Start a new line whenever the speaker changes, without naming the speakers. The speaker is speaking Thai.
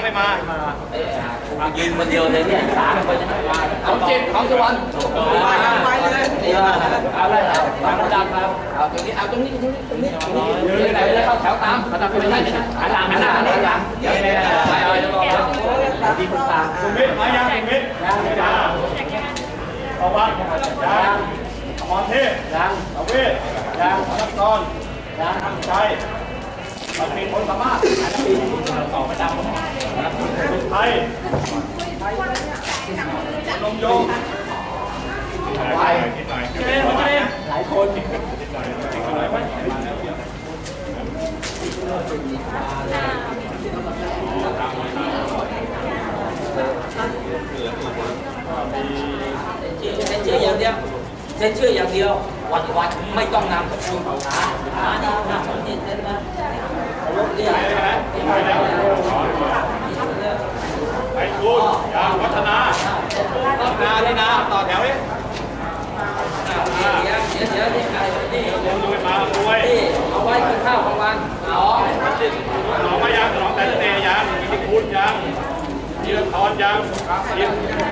ยังไม่มา
ยืนคนเดียวเลยเนี่ยสามคนของจิตของสวรรค์นี่ว่าเอาได้แล้วตามระดับครับเอาตรงนี้เอาตรงนี้ยืนไหนแล้วเข้าแถวตามระดับไปได้หันหลังหันหลังหันหลังไปเอาจะรอดีคุณตา
สุมิตรมายังสุมิตรยังเอาวัดยังอมรเทพยังเอาเวทยังอนักกรยังทำใจมันมีคนสามารถต่อประจำเป็นไทยลมโยงไปหลายคน
เซ็นชื่ออย่างเดียวเซ็นชื่ออย่างเดียววันไม่ต้องนำคุณนี่นำนี่เซ็นนะรถเรียก
ไปคุณยางวัฒนานี่นะต่อแถวนี้
เดี๋ยวนี่ใครนี่
รวยมาด้วย
นี่เอาไว้กินข้าวกลางวัน
หนองมายังหนองแต่ละเนยังมีคุณยังยีรทรยัง